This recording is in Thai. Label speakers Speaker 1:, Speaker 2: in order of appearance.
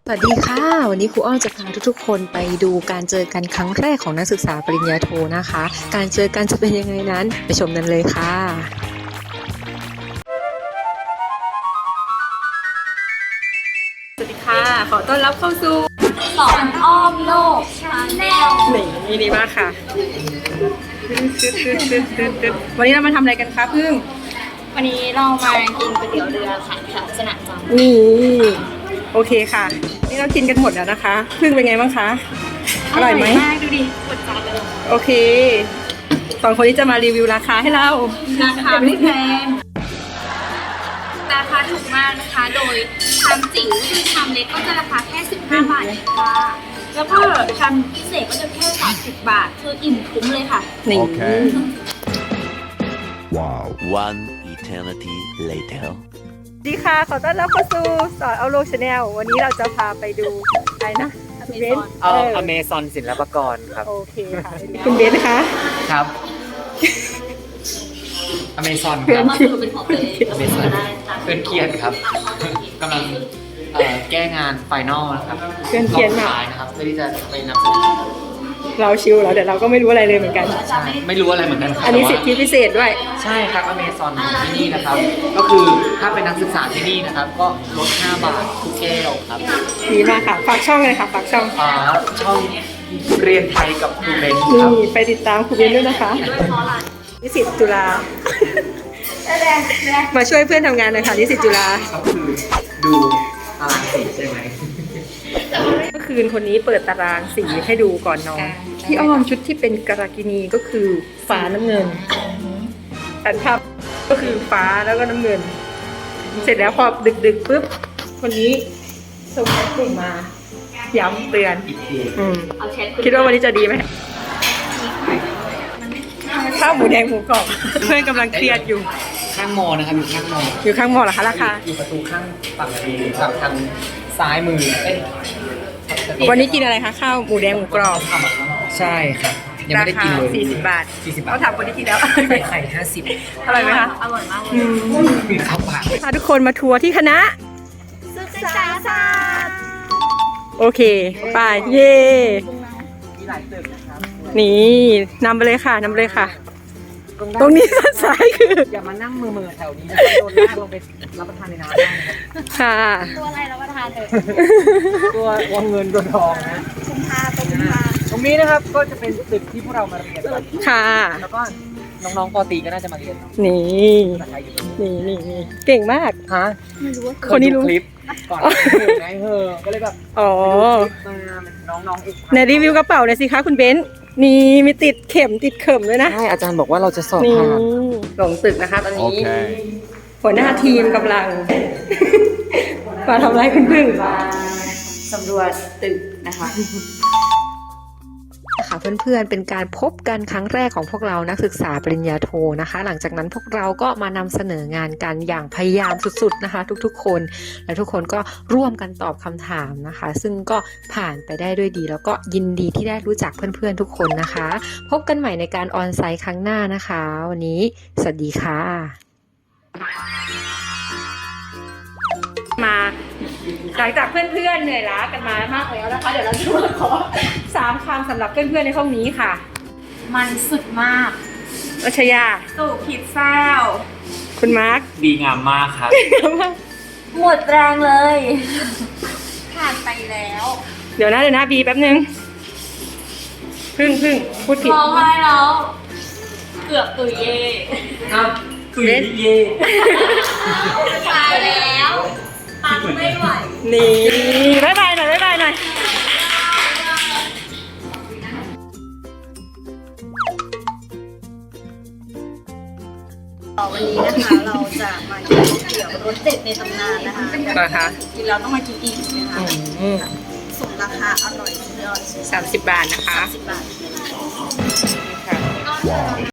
Speaker 1: สวัสดีค่ะวันนี้ครูอ้อจะพาทุกๆคนไปดูการเจอกันครั้งแรกของนักศึกษาปริญญาโทนะคะการเจอกันจะเป็นยังไงนั้นไปชมกันเลยค่ะสวัสดีค่ะขอต้อนรับเข้าสู่
Speaker 2: สอนอ้อมโลกชาแนล
Speaker 1: นี่ดีมากค่ะวันนี้เรามาทำอะไรกันคะพึ่ง
Speaker 2: วันนี้เรามากินก๋วยเตี๋ยวเรือค่ะแถวสนามจัง
Speaker 1: นี่โอเคค่ะนี่เรากินกันหมดแล้วนะคะพึ่งเป็นไงบ้างคะอร่อยไหม
Speaker 2: มากดูดิกดจานเลย
Speaker 1: โอเคสองคนนี้จะมารีวิวราคาให้เรา
Speaker 2: ราคาไม่แพงราคาถูกมากนะคะโดยชามจิ๋วคือชามเล็กก็จะราคาแค่15 บาทเองค่ะแล้วก็ชามพิเศษก็จะแค่30 บาทคืออิ่มคุ้มเลยค่ะ
Speaker 1: โอเค
Speaker 3: Wow. One eternity later.
Speaker 1: ดีค่ะขอต้อนรับเข้าสู่สอนเอาโลกชาแนลวันนี้เราจะพาไปดูอะไรนะคุณเบนซ์
Speaker 4: อเมซอนศิลปากรครับ
Speaker 1: โอเคค่ะคุณเบนซ์นะคะ
Speaker 4: ครับอเมซอน
Speaker 2: ครับมาดูเป็นของตัวเอง
Speaker 4: อเมซอนเพื่อนเกียรติครับกำลังแก้งานไฟนอลนะครับ
Speaker 1: เพื่อนเกียรติมาก
Speaker 4: นะครับเพื่อที่จะไปนำเสนอ
Speaker 1: เราชิลแล้วเดี๋ยวเราก็ไม่รู้อะไรเลยเหมือนกัน
Speaker 4: ไม่รู้อะไรเหมือนกัน
Speaker 1: อันนี้สิทธิพิเศษด้วย
Speaker 4: ใช่ครับอเมซอนที่นี่นะครับก็คือถ้าเป็นนักศึกษาที่นี่นะครับก็ลด5 บาททุกแก้วครับ
Speaker 1: ดีมากค่ะฝากช่องเลยค่ะฝากช่อง
Speaker 4: ช่องเรียนไทยกับครูเบน
Speaker 1: ครับนี่ไปติดตามครูเบนด้วยนะคะนิสิตจุฬามาช่วยเพื่อนทำงานหน่อยค่ะนิสิตจุฬา
Speaker 4: ก็คือดูตารางสีใช่ไหม
Speaker 1: เมื่อคืนคนนี้เปิดตารางสีให้ดูก่อนนอนที่อ้อมชุดที่เป็นกรากินีก็คือฟ้าน้ำเงินแต่ทับก็คือฟ้าแล้วก็น้ำเงินเสร็จแล้วพอดึกๆปุ๊บคนนี้ส่งแชทกลุ่มมาย้ำเตือนคิดว่าวันนี้จะดีไหมข้าวหมูแดงหมูกรอบเพื่อนกำลังเครียดอยู่
Speaker 4: ข้างมอนะครับ
Speaker 1: อยู่ข้างมอเหรอคะราคา
Speaker 4: อยู่ประตูข้างฝั่งทางซ้ายมือ
Speaker 1: วันนี้กินอะไรคะข้าวหมูแดงหมูกรอบ
Speaker 4: ใช่ครับยังไม่ได้กินเลย
Speaker 1: 40 บาทเขาถามคนที่กินแล้ว
Speaker 4: ไข่50
Speaker 1: อร่อยไหมคะ
Speaker 2: อร่อยมากเลย
Speaker 4: มีข้าวผัด
Speaker 1: พาทุกคนมาทัวร์ที่คณะ
Speaker 2: ศึกษาศาสตร์
Speaker 1: โอเคไปเย่
Speaker 4: มีหลายตึกนะครับ
Speaker 1: นี่นำไปเลยค่ะตรงนี้ด้านซ้ายคือ
Speaker 4: อย่ามานั่งมือแถวนี้นะโดนลากลงไปรับประทานในน้ำได้นะครับ
Speaker 1: ค่ะ
Speaker 2: ตัวอะไรรับประทานเลย
Speaker 4: ตัวเงินตัวทองนะตรงนี้นะครับก็จะเป็นตึกที่พวกเรามาเรียน
Speaker 1: ค่ะ
Speaker 4: แล้วก็น้องๆป.ตรีก็น่าจะมาเรียน
Speaker 1: นี่เก่งมาก
Speaker 4: ฮะ
Speaker 1: คนนี้รู้
Speaker 4: คลิปก่อนไงก็เลยแบบ
Speaker 1: อ๋อ
Speaker 4: น้องๆอีก
Speaker 1: ในรีวิวกระเป๋าเลยสิคะคุณเบนซ์นี่มีติดเข็มด้วยนะ
Speaker 4: ใช่อาจารย์บอกว่าเราจะสอบผ่าน
Speaker 1: หลงตึกนะคะตอนนี้หัวหน้าทีมกำลังมาทำไรคุณพึ่ง
Speaker 2: สำรวจตึกนะคะ
Speaker 1: ค่ะเพื่อนๆเป็นการพบกันครั้งแรกของพวกเรานักศึกษาปริญญาโทนะคะหลังจากนั้นพวกเราก็มานำเสนองานกันอย่างพยายามสุดๆนะคะทุกๆคนและทุกคนก็ร่วมกันตอบคำถามนะคะซึ่งก็ผ่านไปได้ด้วยดีแล้วก็ยินดีที่ได้รู้จักเพื่อนๆทุกคนนะคะพบกันใหม่ในการออนไซต์ครั้งหน้านะคะวันนี้สวัสดีค่ะมาหลังจากเพื่อนๆเหนื่อยล้ากันมามากแล้วนะคะเดี๋ยวเราจะมาขอ3 คำสำหรับเพื่อนๆในห้องนี้ค่ะ
Speaker 2: มันสุดมาก
Speaker 1: รัชยา
Speaker 2: สู่ผิดแซว
Speaker 1: คุณมาร์ค
Speaker 4: ดีงามมากครับ
Speaker 2: หมดแรงเลยผ่านไปแล้ว
Speaker 1: เดี๋ยวนะบีแป๊บนึงพึ่งพูดผิด
Speaker 2: ร้องไห้แล้วเกือบตุยเย่
Speaker 4: ครับตุยเย่
Speaker 2: ตายแล้วปังไม่ไหว
Speaker 1: นี่บ๊ายบายหน่อยวันนี้
Speaker 2: นะคะเราจะมากินก๋วยเตี๋ยวรสเด็ดในตำนานนะคะกินแล้วต้องมากินอีกนะคะสมราคาอร่อยสุดยอด
Speaker 1: 30 บาทนะคะ
Speaker 2: 30 บาท